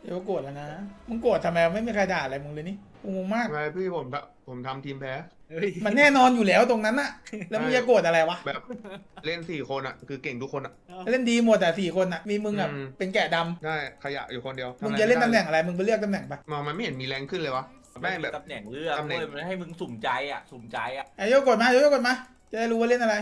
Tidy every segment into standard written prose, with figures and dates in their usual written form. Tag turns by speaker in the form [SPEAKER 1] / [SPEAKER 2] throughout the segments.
[SPEAKER 1] เดี๋ยวโกรธแล้วนะมึงโกรธทำไมไม่มีใครด่าอะไรมึงเลยนี่กูงงมาก
[SPEAKER 2] ทำไมพี่ผมทำทีมแพ้
[SPEAKER 3] เฮ้ย
[SPEAKER 1] มันแน่นอนอยู่แล้วตรงนั้นอะแล้วมึงจะโกรธอะไรวะ
[SPEAKER 2] แบบเล่น4 คนอ่ะคือเก่งทุกคนอ่ะ
[SPEAKER 1] เล่นดีหมดแต่4 คนอะมีมึงอะ
[SPEAKER 2] อืม
[SPEAKER 1] เป็นแกะด
[SPEAKER 2] ได้ขยะอยู่คนเดียว
[SPEAKER 1] ำมึงจะเล่นตำแหน่งอะไรมึงไปเลือกตำแหน่งไป
[SPEAKER 2] มันไม่เห็นมีแรงขึ้นเลยวะ
[SPEAKER 3] ไม่
[SPEAKER 2] แม่ง
[SPEAKER 3] มี
[SPEAKER 2] แบบ
[SPEAKER 3] ตำแหน่งเลือก
[SPEAKER 2] ตำแหน่ง
[SPEAKER 3] เว้ยมันให้มึงสุ่มใจอ่ะสุ่มใจอ่ะ
[SPEAKER 1] ไอ้โยกกดมาโยกกดมาจะได้รู้ว่าเล่นอะไร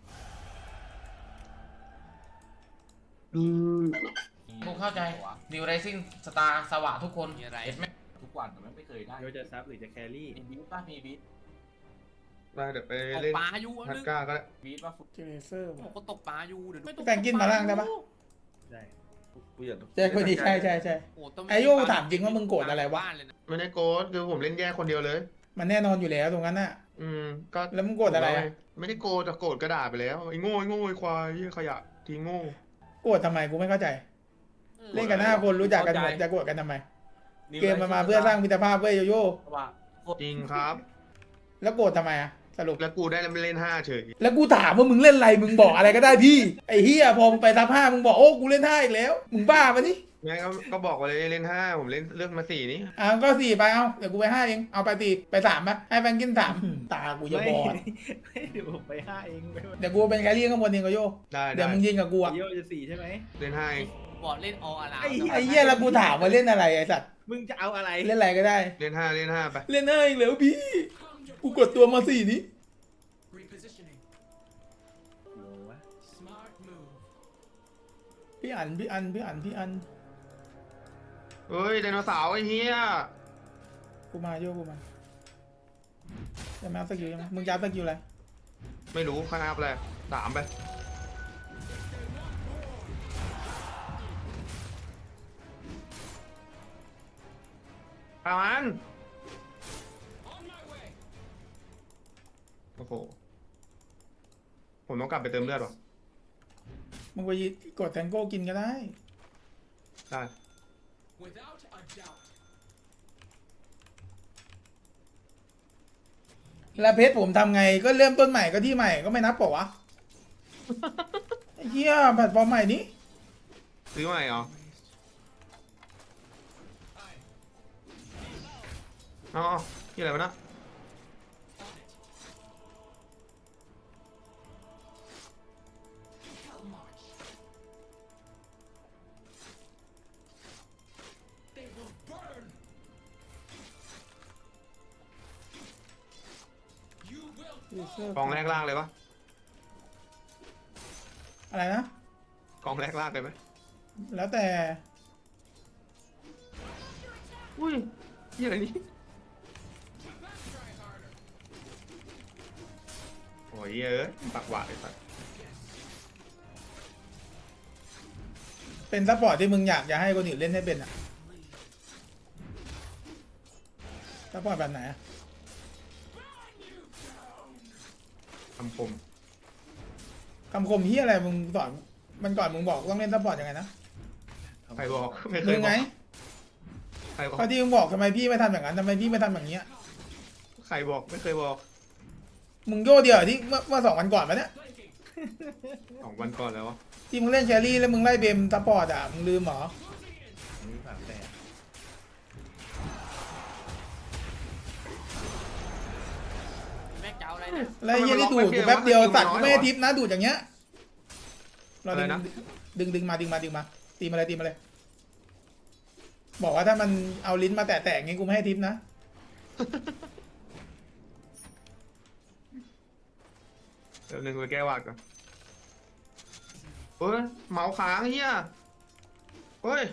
[SPEAKER 4] กูเข้าใจดิวไรซิ่งสตาร์สวะทุกคนเห็นไหม
[SPEAKER 3] ทุกวันแต่ไม่เคยได้
[SPEAKER 5] โยจะซับหรือจะแครี่
[SPEAKER 3] มีบีทป่ะมีบีท
[SPEAKER 2] ได้เดี๋ยวไป
[SPEAKER 6] ตก
[SPEAKER 2] เล่น
[SPEAKER 6] ปลาอยู่อัน
[SPEAKER 2] ฮัต
[SPEAKER 6] นึง
[SPEAKER 2] ก้าก็ได้
[SPEAKER 3] บีทป่ะ
[SPEAKER 1] เจเลเซอร์
[SPEAKER 6] ผมก็ตกปลาอยู่เดี๋ยวไม่ตก
[SPEAKER 1] แฟนกินมาล่างได้ปะ
[SPEAKER 5] ได้
[SPEAKER 3] กูอยาก
[SPEAKER 1] ใช่คนดีใช่ใช่ใช่
[SPEAKER 6] โอ้ต้อง
[SPEAKER 1] ไอ้โยถามจริงว่ามึงโกรธอะไรวะ
[SPEAKER 6] บ้านเลยน
[SPEAKER 2] ไม่ได้โกดคือผมเล่นแย่คนเดียวเลย
[SPEAKER 1] มันแน่นอนอยู่แล้วตรงนั้นน่ะ
[SPEAKER 2] อืมก็
[SPEAKER 1] แล้วมึงโกรธอะไรอะ
[SPEAKER 2] ไม่ได้โกรธแต่โกรธกระดาษไปแล้วไอ้โง่ไอ้โง่ไอ้ควายไอ้ขยะทีโง่
[SPEAKER 1] โกรธทำไมกูไม่เข้าใจ เล่นกัน5 คนรู้จักกันหมดจะโกรธกันทำไม เกมมันมาเพื่อสร้างมิตรภาพเว้ยโยโย่
[SPEAKER 3] ว่า
[SPEAKER 2] จริงครับ
[SPEAKER 1] แล้วโกรธทำไมอะสรุป
[SPEAKER 2] แล้วกูได้เล่น5เฉย
[SPEAKER 1] แล้วกูถามว่ามึงเล่นอะไรมึงบอกอะไรก็ได้พี่ไอ้เฮียพอมึงไปทับ5มึงบอกโอ้กูเล่น5อีกแล้วมึงบ้าปะนี่
[SPEAKER 2] งั้นก็บอกไปเลยเล่น5ผมเล่นเลือกมา4นี้
[SPEAKER 1] ก็4ไปเอาเดี๋ยวกูไป5เองเอาไป4ไป3ปะให้แฟนกิน3ตากูจะบอด
[SPEAKER 5] ไม่เดี๋ยวผมไปห้าเองไม่ว่า
[SPEAKER 1] เดี๋ยวกูเป็นแครี่ข้างบนเองก็โย
[SPEAKER 2] ได้
[SPEAKER 1] เดี๋ยว
[SPEAKER 2] ได้
[SPEAKER 1] มึงยิงกับกูอะ
[SPEAKER 5] โยจะ4ใช่ไหม
[SPEAKER 2] เล่น5เอง
[SPEAKER 6] บอกเล่นออารา
[SPEAKER 1] ไอ้เหี้ยแล้วกูถามว่าเล่นอะไรไอ้สัตว์
[SPEAKER 5] มึงจะเอาอะไร
[SPEAKER 1] เล่นอะไรก็ได้
[SPEAKER 2] เล่น5ไป
[SPEAKER 1] เล่น5อีกแล้วพี่กูกดตัวมา4นี้
[SPEAKER 5] โลวะ
[SPEAKER 1] พี่อัน
[SPEAKER 2] เฮ้ยไดโนเสาร์ไอ้เหี้ย
[SPEAKER 1] กูมาโยกูมาจะมาเอาสกิลยังไงมึงจะเอาสกิลอะไร
[SPEAKER 2] ไม่รู้ข้างหน้าอะไร3ไปประมาณโอ้โหผมต้องกลับไปเติมเลือดว่ะ
[SPEAKER 1] มึงไปกดแทงโก้กินก็ได้
[SPEAKER 2] ได้
[SPEAKER 1] แล้วเพชรผมทำไงก็เริ่มต้นใหม่ก็ที่ใหม่ก็ไม่นับเปล่าวะ ไอ้เหี้ยแพลตฟอร์มใหม่นี้
[SPEAKER 2] ซื้อใหม่เหรออ๋อที่อะไรวะนะกองแรกล่างเลยวะ
[SPEAKER 1] อะไรนะ
[SPEAKER 2] กองแรกล่างเลยไหม
[SPEAKER 1] แล้วแต่
[SPEAKER 2] อุ้ยยี่อะไรนี่โอ้ยเยอะปากหวานเลยสัส
[SPEAKER 1] เป็นซัพพอร์ตที่มึงอยากจะให้คนอื่นเล่นให้เป็นอะซัพพอร์ตแบบไหนอะ
[SPEAKER 2] คำคม
[SPEAKER 1] คำคมเฮียอะไรมึงสอนมันก่อนมึงบอกต้องเล่นซัพพอร์ตยังไงนะ
[SPEAKER 2] ใครบอกไม่เค
[SPEAKER 1] มึ
[SPEAKER 2] ย
[SPEAKER 1] ง
[SPEAKER 2] บ
[SPEAKER 1] ไง
[SPEAKER 2] อกใครบอก
[SPEAKER 1] ข้อที่มึงบอกทำไมพี่ไม่ทำอย่างนั้นทำไมพี่ไม่ทำอย่างเงี้ย
[SPEAKER 2] ใครบอกไม่เคยบอก
[SPEAKER 1] มึงโย่เดียวที่เมื่อ2 วันก่อนปะเนี่ย
[SPEAKER 2] 2 วันก่อนแล้ววะ
[SPEAKER 1] ที่มึงเล่นแครี่แล้วมึงไล่เบมซัพพอร์ตอะมึงลืมเหรอ
[SPEAKER 5] นี่ฝากแต่
[SPEAKER 6] แม่งจะเอาอะไรเนี่ย
[SPEAKER 1] แล้วไอ้เฮียที่ดูดกูแป๊บเดียวสัตว์กูไม่ให้ทิปนะดูดอย่างเงี้ยเราดึงมาตีมาเลย บอกว่าถ้ามันเอาลิ้นมาแตะๆงี้กูไม่ให้ทิปนะ
[SPEAKER 2] เดี๋ยวหนึ่งไปแก้วาดก่อนเฮ้ยเมาส์ค้างเฮียเฮ้ย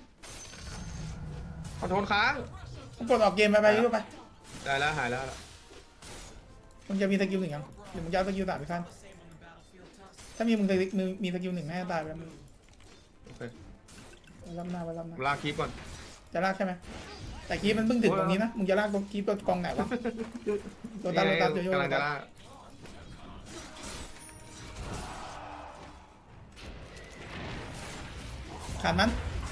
[SPEAKER 2] ขอโทษค้าง
[SPEAKER 1] มึงกดออกเกมไปยุ่ไป
[SPEAKER 2] ได้แล้วหายแล้ว
[SPEAKER 1] มึงจะมีสกิล1ยังหรือมึงจะเอาสกิล3ไปขั้นถ้ามีมึงมีสกิล1ให้ตายไปแล้วมึง
[SPEAKER 2] โอเค
[SPEAKER 1] ไว้รับหน้า
[SPEAKER 2] ผมลากคลิปก่อน
[SPEAKER 1] จะลากใช่ไหมแต่คีบมันเพิ่งถึงตรงนี้นะมึงจะลากตรงคีบตัวกองไหนวะตัวตันโย
[SPEAKER 2] กำลังจะลาก
[SPEAKER 1] ขาดมัน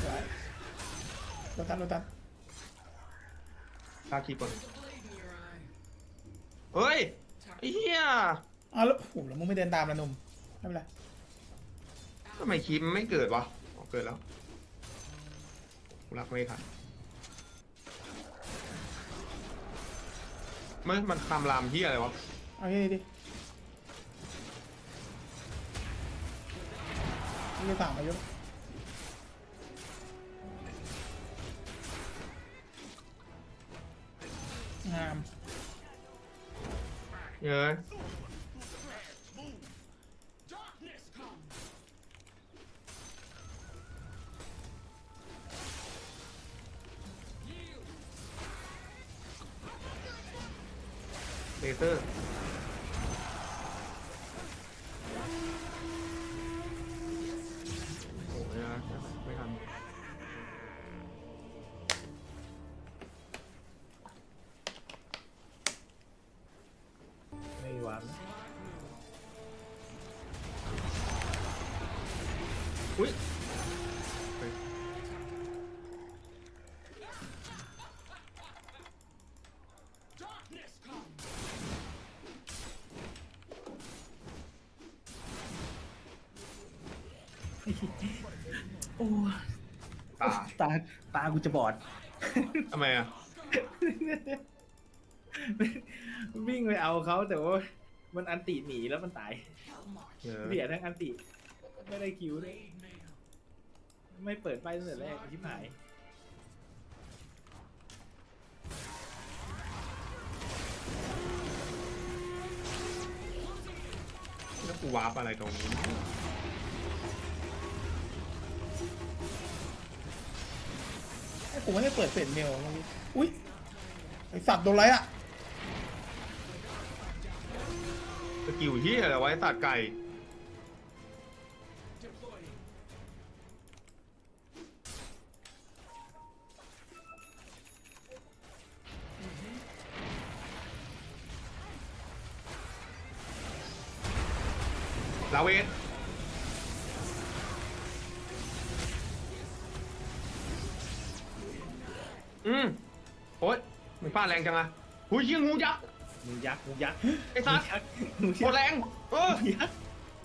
[SPEAKER 1] ตัวตัน
[SPEAKER 2] ลากคลิปก่อนเฮ้ยไอ้เหี้ย
[SPEAKER 1] อ้าวแล้วโอ้โหแล้วมึงไม่เดินตามละหนุ่มไม่เป็นไร
[SPEAKER 2] ทำไมคลิปมันไม่เกิดวะอ๋อเกิดแล้วกูรักไม่ทันมันคำรามที่อะไรวะ
[SPEAKER 1] เอาแค่นี้ดินี่จะสามอายุงาม
[SPEAKER 2] เยอะเลเซอร์โอ้ยไม่ทัน
[SPEAKER 5] ไม่วาง
[SPEAKER 2] อุ้ยตา
[SPEAKER 5] ตากูจะบอด
[SPEAKER 2] ทำไมอ่ะ
[SPEAKER 5] วิ่งไปเอาเขาแต่ว่ามันอันติหนีแล้วมันตาย
[SPEAKER 2] เยอะ
[SPEAKER 5] เบียดทั้งอันติไม่ได้คิวเลยไม่เปิดไฟตั้งแต่แรกชิบหาย
[SPEAKER 2] แล้วกูวาร์ปอะไรตรงนี้
[SPEAKER 1] ไอ้ผมไม่ได้เปิดเฟซเมลเมื่อกี้อุ้ยไอสัตว์โดนไรอ่ะ
[SPEAKER 2] สกิลที่อะไรไว้ตัดไก่ลาเวทโอ๊ยมึงฟาดแรงจังอะหุยยิงงูยักษ์
[SPEAKER 5] งูยักษ์งูยักษ์
[SPEAKER 2] ไอ้สัส
[SPEAKER 5] งู
[SPEAKER 2] โค
[SPEAKER 5] ยั
[SPEAKER 2] ต
[SPEAKER 5] ก
[SPEAKER 2] ร
[SPEAKER 5] ษ์
[SPEAKER 2] แรงเออ
[SPEAKER 5] งูยักษ์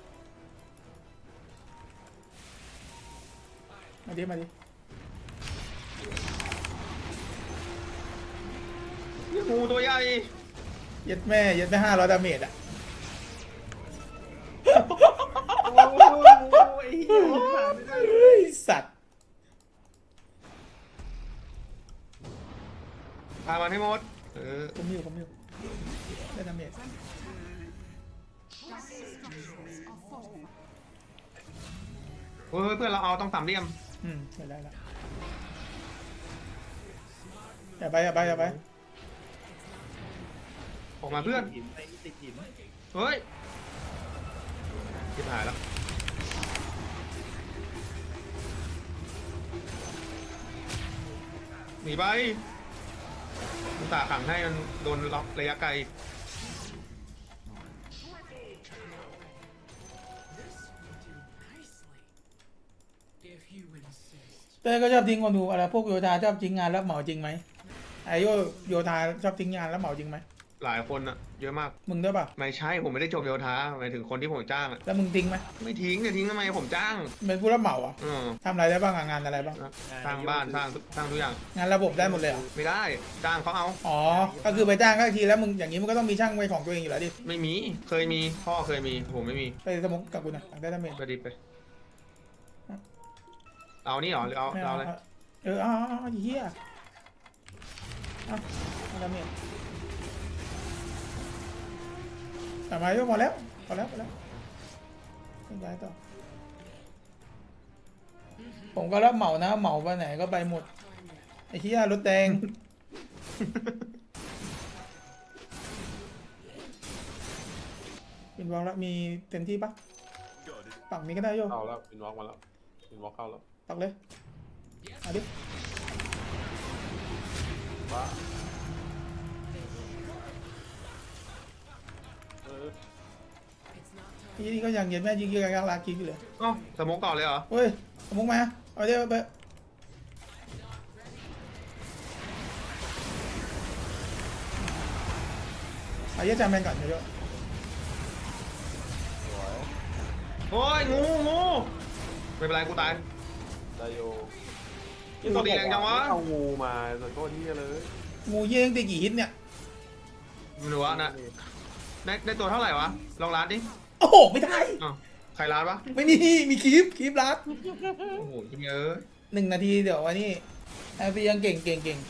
[SPEAKER 1] มาดิมาดิ
[SPEAKER 2] งูตัวใหญ่
[SPEAKER 1] เย็ดแม่500 ดาเมจอ่ะ
[SPEAKER 5] โอ้ยไอ้เหี้ยผ่านไม่ได้
[SPEAKER 1] เฮ้ยสัตว์
[SPEAKER 2] พามันให้หมด
[SPEAKER 1] ผมอยู่ได้ดาเมจ
[SPEAKER 2] เฮ้ยเพื่อนเราเอาต้องสามเหลี่ยม
[SPEAKER 1] ไม่ได้ละอย่าไป
[SPEAKER 2] ออกมาเพื่อน
[SPEAKER 5] หินไปติดหิน
[SPEAKER 2] เฮ้ยทิบหายแล้วหนีไปมุตาขังให้มันโดนล็อกระยะไกล
[SPEAKER 1] เต้ก็ชอบทิ้งคนดูอะไรพวกโยธาชอบทิ้งงานแล้วเหมาจริงไหมไอโยธาชอบทิ้งงานแล้วเหมาจริงไหม
[SPEAKER 2] หลายคนอะเยอะมาก
[SPEAKER 1] มึงด้วยป่ะ
[SPEAKER 2] ไม่ใช่ผมไม่ได้จบโยธาหมายถึงคนที่ผมจ้างอะ
[SPEAKER 1] แล้วมึงทิ้งไหม
[SPEAKER 2] ไม่ทิ้งจะทิ้งทำไมผมจ้าง
[SPEAKER 1] เป็นผู้รับเหมาอ่ะ
[SPEAKER 2] อืม
[SPEAKER 1] ทำอะไรได้บ้างอะงานอะไรบ้าง
[SPEAKER 2] สร้างบ้านสร้างทุกอย่าง
[SPEAKER 1] งานระบบได้หมดเลยเหรอ
[SPEAKER 2] ไม่ได้จ้างเขาเอา
[SPEAKER 1] อ๋อก็คือไปจ้างก็ทีแล้วมึงอย่างนี้มึงก็ต้องมีช่างไว้ของตัวเองอยู่แล้วดิ
[SPEAKER 2] ไม่มีเคยมีพ่อเคยมีผมไม่มี
[SPEAKER 1] ไปสมุกกับกูหน่อยอยากได้ดาเมจ
[SPEAKER 2] ไปดิไปเอานี่เหรอหรือเอา
[SPEAKER 1] ไม่
[SPEAKER 2] เอา
[SPEAKER 1] เอา
[SPEAKER 2] อะไร
[SPEAKER 1] เอาเหี้ยเอาดาเมจแต่มาโยพอแล้วไม่ได้ต่อผมก็รับเหมานะเหมาไปไหนก็ไปหมดไอ้เหี้ยรถแดง เป็นวางแล้วมีเต็มที่ปะปักนี้ก็ได้โย
[SPEAKER 7] เข้าแล้ววินวอล์กมาแล้ววินวอล์กเข้าแล้ว
[SPEAKER 1] ปักเลยเอาดิ
[SPEAKER 7] ว้า
[SPEAKER 1] นี่ก็ยังเย็นแม่ยิงยังลากินอยู่เลย
[SPEAKER 2] อ๋อสโมกต่อเลยเหรอ
[SPEAKER 1] เฮ้ยสมุกมาเอาเดี๋ยวไปเอาเยอะจำแมนก่อนเยอะ
[SPEAKER 7] สวย
[SPEAKER 2] โอ้ยงูไม่เป็นไรกูตาย
[SPEAKER 7] ได้อยู่
[SPEAKER 2] ตัวดีแรงจังวะ
[SPEAKER 7] เอางูมาแต่ก็ที่เลย
[SPEAKER 1] งูเยี่ยงตีกี่ฮิตเนี่ย
[SPEAKER 2] ไม่รู้ว่านะได้ตัวเท่าไหร่วะลองร้านดิ
[SPEAKER 1] โอ้โหไม่ได้
[SPEAKER 2] อ้าวใครร้านวะ
[SPEAKER 1] ไม่มีคลิปลัด
[SPEAKER 2] โอ้โหเยอะ
[SPEAKER 1] 1 นาทีเดี๋ยววันนี้ไอพียังเก่ง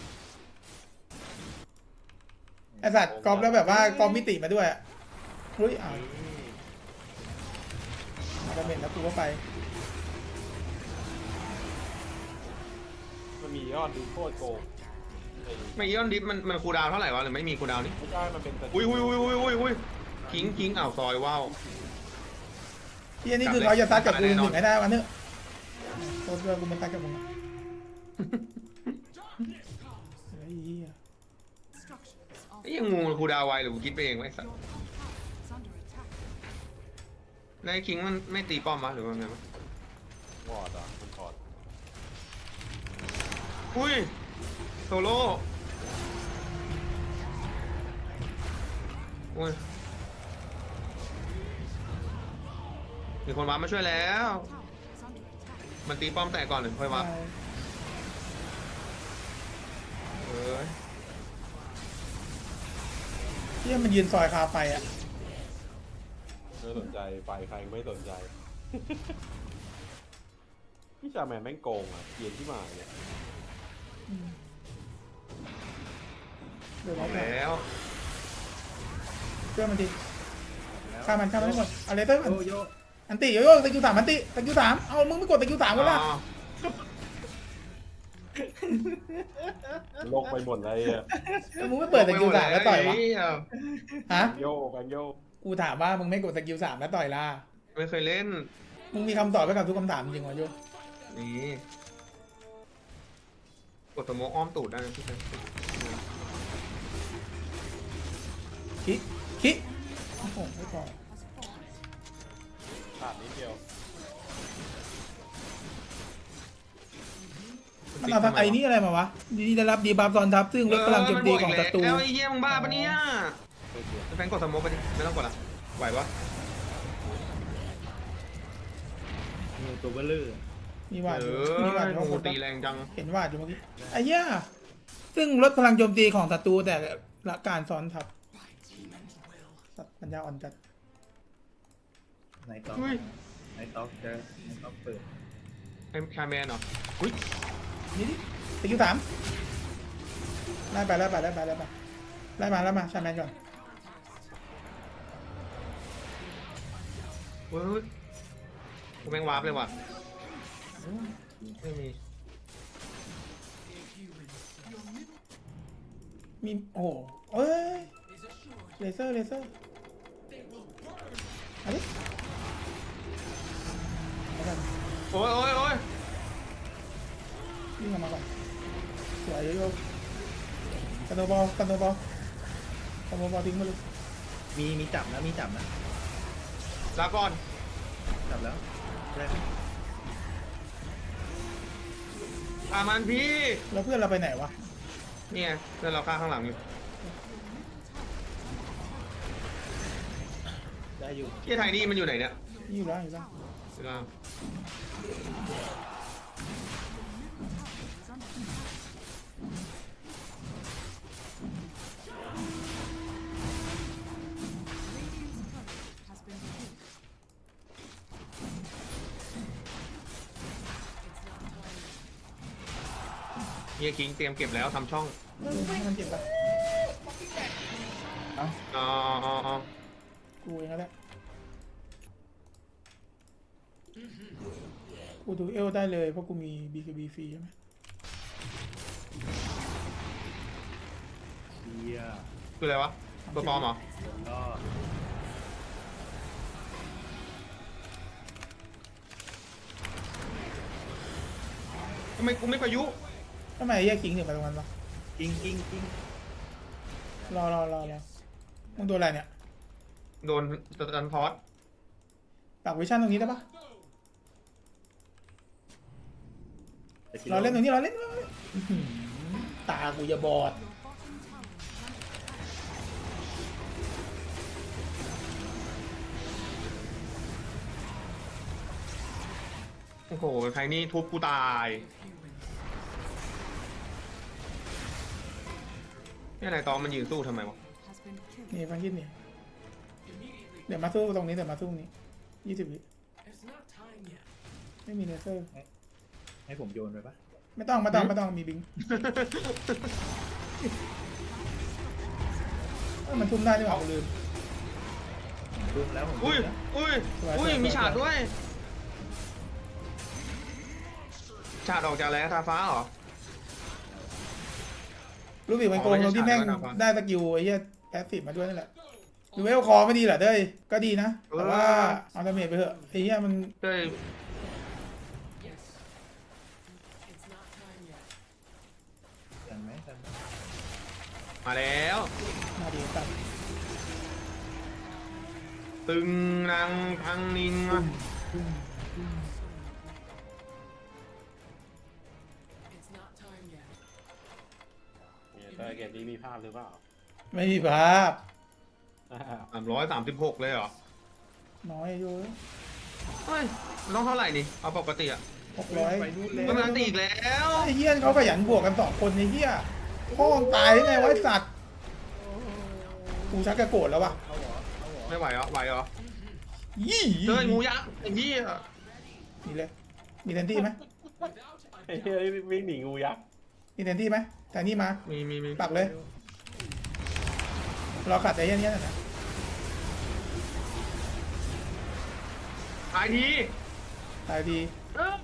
[SPEAKER 1] ไอสัตว์กอล์ฟแล้วแบบว่ากอล์ฟมิติมาด้วยอะเฮ้ยอ้าวมาดาเมจแล้วกูก็ไป
[SPEAKER 7] มันมียอดดูโคตรโกงไอ้
[SPEAKER 2] ไม่ย้อนดิฟมันคูลดาวน์เท่าไหร่วะหรือไม่มีคูลดาวน์นี่
[SPEAKER 7] ไม่ใช่มันเป็น
[SPEAKER 2] อุ้ยคิงอ้าวซอยว้าว
[SPEAKER 1] ที่อันนี้คือเขาจะซัดกับกู1ให้ได้วันเนอะโทษด้วยกูมันซัดกับมึงอะไอ้เหี้ย
[SPEAKER 2] ไอ้ยังงูมันคูลดาวน์ไวหรือกูคิดไปเองไว้สัสแล้วไอ้คิงมันไม่ตีป้อมวะหรือว่าไงวะ
[SPEAKER 7] วอร์ดอ่ะมันถอด
[SPEAKER 2] อุ้ยโซโล่อุ้ยมีคนวาร์ปมาช่วยแล้ว มันตีป้อมแตกก่อนหรือค่อยวาร์ปเอ้ย
[SPEAKER 1] ที่มันยืนซอยคาไฟอ่ะ
[SPEAKER 7] ไม่สนใจไปใครก็ไม่สนใจ พี่ชาแมนแม่งโกงอ่ะเกลียนที่มาเนี่ย
[SPEAKER 1] เดี๋ยว
[SPEAKER 2] เอา
[SPEAKER 1] เรา
[SPEAKER 2] แล้ว
[SPEAKER 1] เชื่อมันดิฆ่ามันให้หมดเอาเลเตอร์
[SPEAKER 5] โยโย่
[SPEAKER 1] อันติโยโย่ตะคิว3อันติตะคิว3เอามึงไม่กดตะคิว3ก็ล่ะ
[SPEAKER 2] อ๋อ
[SPEAKER 7] โลกไปหมดเลยอ่ะ
[SPEAKER 1] แล้วมึงไม่เปิดตะคิว3แล้วต่อยวะ
[SPEAKER 2] เหี้
[SPEAKER 1] ฮะ
[SPEAKER 7] โยกกันโยก
[SPEAKER 1] กูถามว่ามึงไม่กดตะคิว3แล้วต่อยล่ะ
[SPEAKER 2] ไม่เคยเล่น
[SPEAKER 1] มึงมีคำตอบไปกับทุกคำถามจริงวะโย
[SPEAKER 2] นี่กดสโมกอ้อมตูดได้นะพี่เซน
[SPEAKER 1] คิโอ้โหไม่พอ
[SPEAKER 7] ขาดนิดเดียว
[SPEAKER 1] มันเอาทำไอ้นี่อะไรมาวะดีได้รับดีบัฟตอนทับซึ่งลดพลังโจมตีของศัตรู
[SPEAKER 2] แล้วไอ้เหี้ยมึงบ้าปะเนี่ย
[SPEAKER 7] ไม่เกลียด
[SPEAKER 2] แฟนกดสโมกไปดิไม่ต้องกดละไหวปะ
[SPEAKER 5] งูตัวเบลเลอร์
[SPEAKER 1] มีวาด
[SPEAKER 2] เอ
[SPEAKER 1] อยู่มีวาดอยู่
[SPEAKER 2] อ
[SPEAKER 1] ข้างบ
[SPEAKER 2] งู
[SPEAKER 1] น
[SPEAKER 2] ตีแรงจัง
[SPEAKER 1] เห็นวาดอยู่เมื่อกี้ไอ้เหี้ยซึ่งลดพลังโจมตีของศัตรูแต่ละการซ้อนทับสัตว์ปัญญาอ่อนจัด
[SPEAKER 5] ไหนต่อ
[SPEAKER 2] อุ้ย
[SPEAKER 5] ไหนต่อจะไหนต่อเปิด
[SPEAKER 2] ไอ้คาแมนเหรออุ้ย
[SPEAKER 1] นี่ดิตะคิว3ไล่ไปไล่มาชาแมนก่อน
[SPEAKER 2] เว้ยกูแม่งวาร์ปเลยว่ะไม่มี
[SPEAKER 1] มีโอ้โหเอ้ยเลเซอร์อันนี้เอากัน
[SPEAKER 2] โอ้ย
[SPEAKER 1] วิ่งออกมาก่อนสวยโยกกันโนบอลทิ้งมาเลย
[SPEAKER 5] มีจับนะมีจับนะ
[SPEAKER 2] ลาก่อน
[SPEAKER 5] จับแล้วได้ไหม
[SPEAKER 2] อามันพี่
[SPEAKER 1] แล้วเพื่อนเราไปไหนวะ
[SPEAKER 2] เนี่ยเพื่อนเราฆ่าข้างหลังอยู่
[SPEAKER 5] ได้อยู่
[SPEAKER 2] ที่ไทยนี่มันอยู่ไหนเนี่ย
[SPEAKER 1] อยู่แล้ว
[SPEAKER 2] อยู่ล่าง เฮียคิงเตรียมเก็บแล้วทำช่อง
[SPEAKER 1] ให้มันเจ็บปะ
[SPEAKER 2] อ๋อ
[SPEAKER 1] กูเองก็ได้กูดูเอลได้เลยเพราะกูมี BKB ฟรีใช่ไหม
[SPEAKER 5] เชียร์
[SPEAKER 2] คืออะไรวะตัวปลอมเหรอ
[SPEAKER 5] ก็
[SPEAKER 2] ทำไมกูไม่ประยุ
[SPEAKER 1] ทำไมไอ้เหี้ยคิงถึงไปตรงนั้นวะ
[SPEAKER 5] กิ้ง
[SPEAKER 1] รอมึงโดนอะไรเนี่ย
[SPEAKER 2] โดนตันพอส
[SPEAKER 1] ปากวิชั่นตรงนี้ได้ปะเราเล่นตรงนี้เราเล่นอื้อหือตากูจะบอด
[SPEAKER 2] โอ้โหใครนี่ทุบกูตายเนี่ยนายตองมันยืนสู้ทำไมวะ
[SPEAKER 1] นี่ฟังคิดนี่เดี๋ยวมาสู้ตรงนี้เดี๋ยวมาสู้ตรงนี้20 วิไม่มีเลเซอร์
[SPEAKER 5] ให้ผมโยนไปปะ
[SPEAKER 1] ไม่ต้องมีบิงมันทุ่มได้นี่หว่ากูลืม
[SPEAKER 5] ดูแล้วผม
[SPEAKER 2] อุ้ย
[SPEAKER 5] ดูแล้ว
[SPEAKER 2] อุ้ย
[SPEAKER 1] สวย
[SPEAKER 2] อุ้ย
[SPEAKER 1] สวย
[SPEAKER 2] มี
[SPEAKER 1] สวย
[SPEAKER 2] ฉากด้วยฉากออกจากอะไรนะทาฟ้าเหรอ
[SPEAKER 1] รูบิกมันโกงตรงที่แม่งได้สกิลไอ้เหี้ยแพสซีฟมาด้วยนั่นแหละดูเวลคอไม่ดีเหรอเด้ยก็ดีนะแต่ว่าเอาดาเมจไปเถอะไอ้เหี้ยมัน
[SPEAKER 2] เต้ย
[SPEAKER 5] ทันไหมทันไหม
[SPEAKER 2] มาแล้ว
[SPEAKER 1] มาดีตัด
[SPEAKER 2] ตึงนางพังนิงอะ
[SPEAKER 7] เนี่ยแต่เกมนี้มีภาพหรือเปล่า
[SPEAKER 1] ไม่มีภาพ
[SPEAKER 2] 336เลยเหรอ
[SPEAKER 1] น้อยอยู่
[SPEAKER 2] เฮ้ยมันต้องเท่าไหร่นี่เอาปกติอะ
[SPEAKER 1] 600
[SPEAKER 5] ไปนู่นเลย
[SPEAKER 2] มันมันตีอีกแล้ว
[SPEAKER 1] ไอ้เหี้ยเขาขยันบวกกัน2 คนไอ้เหี้ยพ่อมึงตายได้ไงวะไอ้สัตว์กูชักจะโกรธแล้ววะ
[SPEAKER 5] เอาเหรอเอาเหรอ
[SPEAKER 2] ไม่ไหวเหรอไหวเหรอ
[SPEAKER 1] ยี่
[SPEAKER 2] เต้ยงูยักษ์ไอ้เหี้ย
[SPEAKER 1] มีเลยมีแทนที่ไหม
[SPEAKER 7] ไอ้เหี้ยวิ่งหนีงูยักษ์
[SPEAKER 1] มีแทนที่ไหมแทนที่มา
[SPEAKER 2] มี
[SPEAKER 1] ปักเลยรอขัดไอ้เหี้ยนี้นะ
[SPEAKER 2] ตายที
[SPEAKER 1] ตายดี
[SPEAKER 2] เอ้า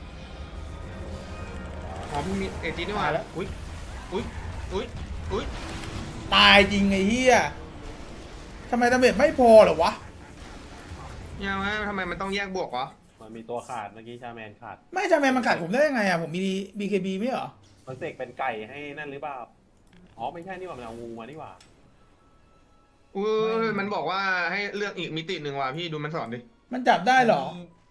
[SPEAKER 2] อ๋อมีเอจีนี่หว่า
[SPEAKER 1] ตายแล้ว
[SPEAKER 2] อุ้ยอุ้ยอุ้ยอุ้ย
[SPEAKER 1] ตายจริงไอ้เหี้ยทำไมดาเมจไม่พอเหรอวะ
[SPEAKER 2] ยังไงทำไมมันต้องแยกบวกวะ
[SPEAKER 7] มันมีตัวขาดเมื่อกี้ชาแมนขาด
[SPEAKER 1] ไม่จำเป็นมันขาดผมได้ยังไงอ่ะผมมี BKB ไม่เหรอ
[SPEAKER 7] มันเสกเป็นไก่ให้นั่นหรือเปล่าอ๋อไม่ใช่นี่หว่ามันเอางูมานี่หว่า
[SPEAKER 2] อุ้ยมันบอกว่าให้เลือกอีกมิติหนึ่งว่ะพี่ดูมันสอนดิ
[SPEAKER 1] มันจับได้เหรอ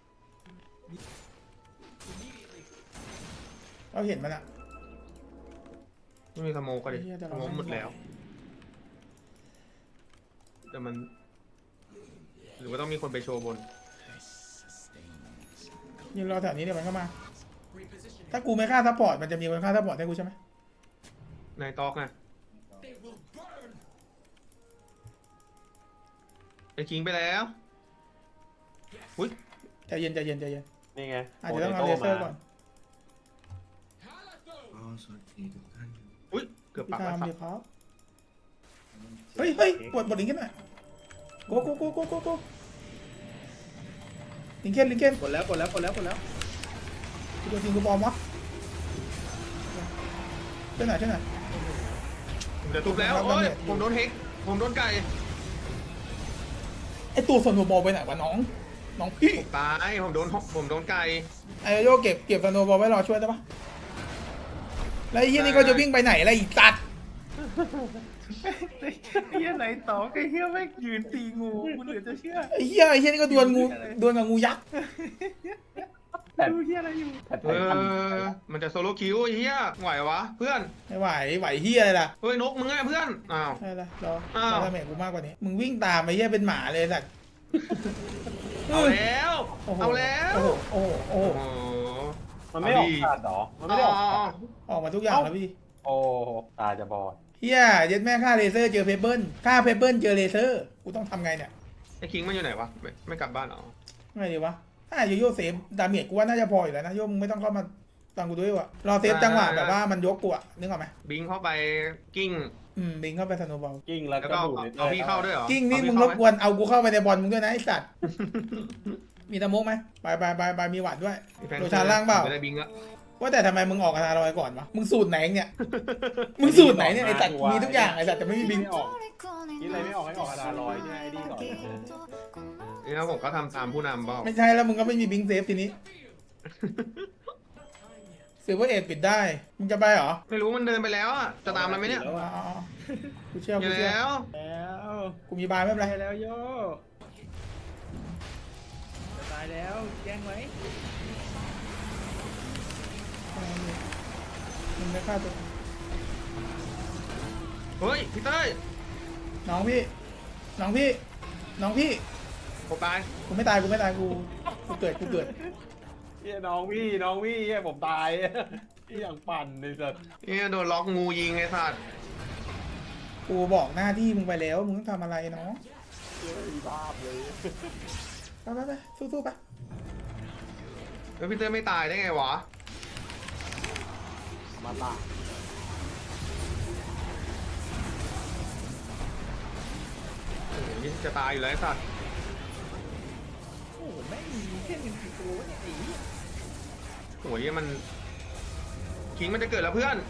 [SPEAKER 1] เราเห็นมันอะ
[SPEAKER 2] ไม่มีสโมกก็ดิ
[SPEAKER 1] ไอ้เหี้ยแต่
[SPEAKER 2] ส
[SPEAKER 1] เรา
[SPEAKER 2] โมก
[SPEAKER 1] ไม่
[SPEAKER 2] หมดแล้ว แต่มัน หรือว่าต้องมีคนไปโชว์บน
[SPEAKER 1] ยืนรอแถวนี้เดี๋ยวมันก็มา ถ้ากูไม่ฆ่าซัพพอร์ตมันจะมีคนฆ่าซัพพอร์ตให้กูใช่ไหม
[SPEAKER 2] นายตอกไงไอ้คิงไปแล้วอุ้ย
[SPEAKER 1] ใจเย็นใจเย็นใจเย็น
[SPEAKER 7] นี่ไง
[SPEAKER 1] อาจจะต้องเอาเลเซอร์ก่อน
[SPEAKER 2] อุ้ยเกือบ
[SPEAKER 1] พี่
[SPEAKER 2] ปัก
[SPEAKER 1] ทา
[SPEAKER 2] แล้ว
[SPEAKER 1] ม
[SPEAKER 2] ครับ
[SPEAKER 1] ดีครับเฮ้ยเฮ้ยปวดบทลิงขึ้นหน่อยโกลิงเคน
[SPEAKER 5] กดแล้วกดแล้วกดแล้วกดแล้ว
[SPEAKER 1] กูโดนยิงกูบอมวะช่วยหน่อย
[SPEAKER 2] ผมจะทุบแล้วโอ้ยผมโดนเฮกผมโดนไก่
[SPEAKER 1] ไอตัวส่วนหัวบอลไปไหนวะน้องพี่
[SPEAKER 2] ผมตายผมโดนไก่
[SPEAKER 1] ไอโยเก็บสโนว์บอลไว้รอช่วยได้ปะแล้วไอ้เหี้ยนี่ก็จะวิ่งไปไหนอะไรอีกตัด
[SPEAKER 5] ไอ้เหี้ยไหนต่อไอ้เหี้ยไม่งยืนตีงูกูเหลือจะเชื่อ
[SPEAKER 1] ไอ้เหี้ยนี่ก็ดวลกับงูยักษ์
[SPEAKER 5] ดูเหี้ยอะไรอยู่
[SPEAKER 7] แพทไททัน
[SPEAKER 2] มันจะโซโล่คิวไอ้เหี้ยไหววะเพื่อน
[SPEAKER 1] ไม่ไหวเหี้ยอะไรล่ะ
[SPEAKER 2] เฮ้ยนกมึงไงเพื่อนอ้าว
[SPEAKER 1] ใช่ละรอ
[SPEAKER 2] อ้าว
[SPEAKER 1] ดาเมจกูมากกว่านี้มึงวิ่งตามไอ้เหี้ยเป็นหมาเลยสัตว์
[SPEAKER 2] เอาแล้ว
[SPEAKER 1] โอ้โห
[SPEAKER 2] เอาแล้ว
[SPEAKER 1] โอ้โห
[SPEAKER 2] โอ้โห
[SPEAKER 7] มันไม่ออกขาดเหรอมันไม่ได้ออกขาด
[SPEAKER 1] ออกมาทุกอย่างแล้วพี่
[SPEAKER 7] โอ้ตาจะบอด
[SPEAKER 1] เฮียเย็ดแม่ฆ่าเลเซอร์เจอเพเบิลฆ่าเพเบิลเจอเลเซอร์กูต้องทำไงเนี่ย
[SPEAKER 2] ไอ้คิงมันอยู่ไหนวะไม่กลับบ้านเหรอ
[SPEAKER 1] ไงดีวะถ้าโยโย่เซฟดาเมจกูว่าน่าจะพออยู่แล้วนะโยมึงไม่ต้องเข้ามาตังกูด้วยวะรอเซฟจังหวะแบบว่ามันยกกูอะนึกออกไหม
[SPEAKER 2] บิงเข้าไปกิ้ง
[SPEAKER 1] บิงเข้าไปสโนว์บอล
[SPEAKER 7] กิ้งแล้ว
[SPEAKER 2] แล้ว
[SPEAKER 7] ก็
[SPEAKER 2] ก็
[SPEAKER 7] ดูด
[SPEAKER 2] เอาพี่เข้าด้วยเหรอ
[SPEAKER 1] กิ้งนี่
[SPEAKER 2] เอา
[SPEAKER 1] มึ
[SPEAKER 2] พี่
[SPEAKER 1] งร
[SPEAKER 2] เข้า
[SPEAKER 1] บ
[SPEAKER 2] ไห
[SPEAKER 1] กวนเอากูเข้าไปในบอลมึงด้วยนะไอสัตว์ มีตะมุกไหมไปมีหวัดด้วย
[SPEAKER 2] มีแฟน
[SPEAKER 1] โดชานล่างเปล่า
[SPEAKER 2] ไม่ได้บิงอะ
[SPEAKER 1] ว่าแต่ทำไมมึงออกอาราลอยก่อนวะมึงสูตรไหนเนี่ยมึงสูตรไหนเนี่ยไอสัตว์มีทุกอย่างไอสัตว์แต่ไม่มีบิง
[SPEAKER 7] ไม่ออกคิดอะไรไม่ออกให้ออกอาดาลอยเนี่ยไอ้ดีก่อน
[SPEAKER 2] นี่นะผมก็ทำตามผู้นำเปล่า
[SPEAKER 1] ไม่ใช่แล้วมึงก็ไม่มีบิงเซฟทีนี้ซิลเวอร์เอ็ดปิดได้มึงจะไปเหรอ
[SPEAKER 2] ไม่รู้มันเดินไปแล้วอะจะตามมันไหมเนี่ย
[SPEAKER 1] อ๋อกูเชื่อ
[SPEAKER 2] อ
[SPEAKER 1] กู
[SPEAKER 2] ยู่
[SPEAKER 1] เชื่อ
[SPEAKER 2] แล้ว
[SPEAKER 5] แล้ว
[SPEAKER 1] กูมีบายไม่เป็นไร
[SPEAKER 5] ตายแล้วโยจะตายแล้วแย่งไว้
[SPEAKER 1] มึงไม่ฆ่าตัว
[SPEAKER 2] เฮ้ยพี่เต้ย
[SPEAKER 1] น้องพี่
[SPEAKER 2] ผมตาย
[SPEAKER 1] กูไม่ตายกูเกิด
[SPEAKER 7] เฮียน้องพี่เฮียผมตายพี่อย่างปั่นเลยสัส
[SPEAKER 2] นี่โดนล็อกงูยิงไอ้สัตว์
[SPEAKER 1] กูบอกหน้าที่มึงไปแล้วมึงต้องทำอะไรเนาะ
[SPEAKER 7] บ้าเลย
[SPEAKER 1] ไปสู้ๆไป
[SPEAKER 2] แล้วพี่เต้ยไม่ตายได้ไงวะ
[SPEAKER 7] มาตา
[SPEAKER 2] โอ้โหนี่จะตายอยู่แล้วไอ้สัตว์
[SPEAKER 5] โอ้โหแม่งมีแค่1กี่ตัววะเนี่ยไอ้เหี้ย
[SPEAKER 2] โอ้โหนี่มันคิงมันจะเกิดแล้วเพื่อน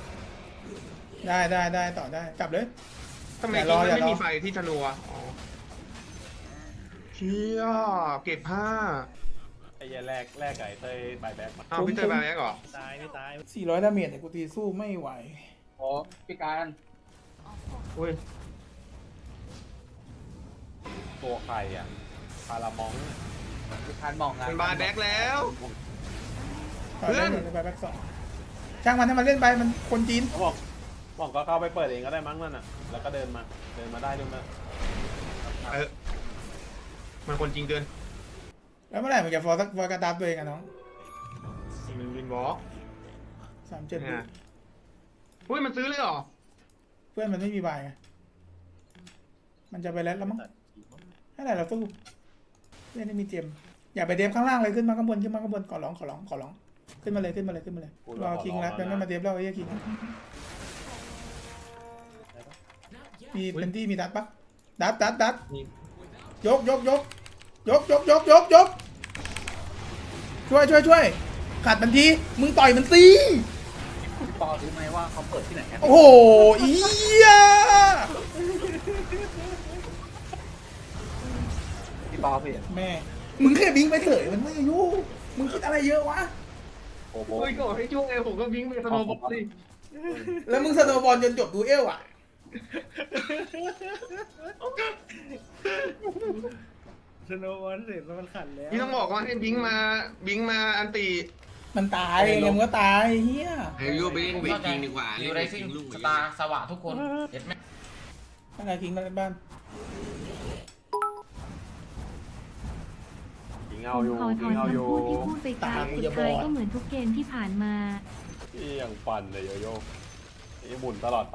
[SPEAKER 1] ได้ต่อได้กลับเลย
[SPEAKER 2] ทำไม
[SPEAKER 1] อย่า
[SPEAKER 2] คิ
[SPEAKER 1] รง อ
[SPEAKER 2] มัน
[SPEAKER 1] อย่ารอ
[SPEAKER 2] ไม่มีไฟที่ธนูอ่ะอ๋อเชี่ยเก็บผ้า
[SPEAKER 7] ไอ้เหี้ยแรกไก่เต้ยบายแบ็กมา
[SPEAKER 2] อ้าวพี่เต้ยไปแม็กเหรอ
[SPEAKER 5] ตายไม่ตาย
[SPEAKER 1] 400 ดาเมจเนี่ยกูตีสู้ไม่ไหว
[SPEAKER 3] โอ้พี่การ
[SPEAKER 2] อุ้ย
[SPEAKER 7] ตัวใครอ่ะพารามอง
[SPEAKER 3] พี่การมองไง
[SPEAKER 2] มันบายแบ็กแล้ว
[SPEAKER 1] ต่อ
[SPEAKER 2] เพื่
[SPEAKER 1] ได้
[SPEAKER 2] อน
[SPEAKER 1] เลยไปแบ็คสองช่างมันให้มันเล่นไปมันคนจีน
[SPEAKER 7] เขาบอกก็เข้าไปเปิดเองก็ได้มั้งนั่นน่ะแล้วก็เดินมาได้ด้วยมั้ย
[SPEAKER 2] มันคนจริงเกิน
[SPEAKER 1] แล้วเมื่อไหร่มันจะฟอร์กระดับตัวเองอะน้อง
[SPEAKER 2] มันวินวอล์ก
[SPEAKER 1] 37
[SPEAKER 2] เนี่ยอุ้ยมันซื้อเลยเหรอ
[SPEAKER 1] เพื่อนมันไม่มีบายไงมันจะไปแล้วมั้งให้ไหนเราสู้เล่นไม่มีเจมอย่าไปเดฟข้างล่างเลยขึ้นมาข้างบนขอร้องขึ้นมาเลยรอคิงแล้วไม่มาเดฟแล้วไอ้เหี้ยคิงมีเป็นที่มีดัดปะดัดยกช่วยขัดมันทีมึงต่อยมันตี
[SPEAKER 3] พี่ปอรู้ไหมว่าเขาเปิดที่ไหนกัน
[SPEAKER 1] โอ้โหอีย
[SPEAKER 3] พี่ปอพี่
[SPEAKER 1] แม่มึงแค่บิงไปเฉยมันไม่อายุมึงคิดอะไรเยอะวะ
[SPEAKER 7] โอ้โห
[SPEAKER 2] โอ้ยก็ให้ช่วงไงผมก็วิ่งไปสโนว์บอลสิ
[SPEAKER 1] แล้วมึงสโนว์บอลจนจบดูเอลอ่ะ
[SPEAKER 5] สโนว์บอลเสร็จแล้วมันขันแล้ว
[SPEAKER 2] พี่ต้องบอกว่าให้บิงมาอันตี
[SPEAKER 1] มันตายไงมึงก็ตายเฮีย
[SPEAKER 8] เฮ้ยโยไปเล่นเวทจริงดีกว่า
[SPEAKER 4] ดิ
[SPEAKER 8] เล่
[SPEAKER 4] วน ไร
[SPEAKER 8] เวทจ
[SPEAKER 4] ซิ่
[SPEAKER 8] ริ
[SPEAKER 4] ง
[SPEAKER 8] งลูก
[SPEAKER 4] สตาร์สวะทุกคนเห็นไหม
[SPEAKER 1] ถ้าใครทิ้งมาเล่นบ้าน
[SPEAKER 7] ยิง
[SPEAKER 9] ผ
[SPEAKER 7] เอา
[SPEAKER 9] ม
[SPEAKER 7] อยู่
[SPEAKER 9] ขอถ
[SPEAKER 7] ยิ
[SPEAKER 9] อน
[SPEAKER 7] งเอาอยู่
[SPEAKER 9] คำพูดที่พูดไปครับสุดท้ายก็เหมือนทุกเกมที่ผ่านมา
[SPEAKER 7] ที่ยังฟันเลยโยโย่ไอ้หมุนตลอดไป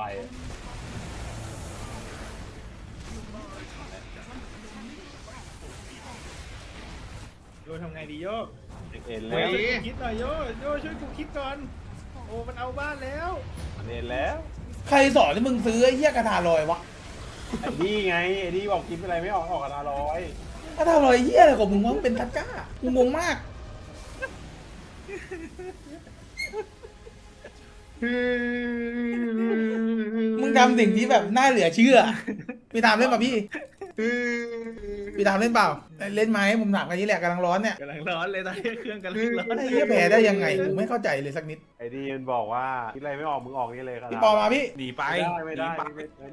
[SPEAKER 5] โยทำไงดีโย
[SPEAKER 7] เอ็น
[SPEAKER 2] เฮ้
[SPEAKER 7] แล้ว
[SPEAKER 2] ย
[SPEAKER 5] คิดหน่อยโยช่วยกูคิดก่อนโอ้มันเอาบ้านแล้ว
[SPEAKER 7] เอ็นแล้ว
[SPEAKER 1] ใครสอนให้มึงซื้อไอ้เฮียกระทาลอยวะ
[SPEAKER 7] ไอ้นี่ไงไอ้นี่บอกกินอะไรไม่ออกกันอร่อย
[SPEAKER 1] กระทาลอยเฮียอะไรของมึงวะมึงเป็นทักก้ากูงงมากมึงทำสิ่งที่แบบน่าเหลือเชื่อพี่ตามเล่นป่ะพี่ตามเล่นเปล่าเล่นไหมผมถามกันนี้แหละกำลังร้อนเนี่ย
[SPEAKER 5] กำลังร้อนเลยตอนนี้เครื่องกำลังร้อน
[SPEAKER 1] ไอ้เฮียแพ้ได้ยังไงกูไม่เข้าใจเลยสักนิด
[SPEAKER 7] ไอ้นี่มันบอกว่าคิดอะไรไม่ออกมึงออกนี่เลยครับ
[SPEAKER 1] พี่ปอมาพี่
[SPEAKER 3] หนีไป
[SPEAKER 7] ไม่ได้
[SPEAKER 3] หนีไป
[SPEAKER 7] ไม่ได้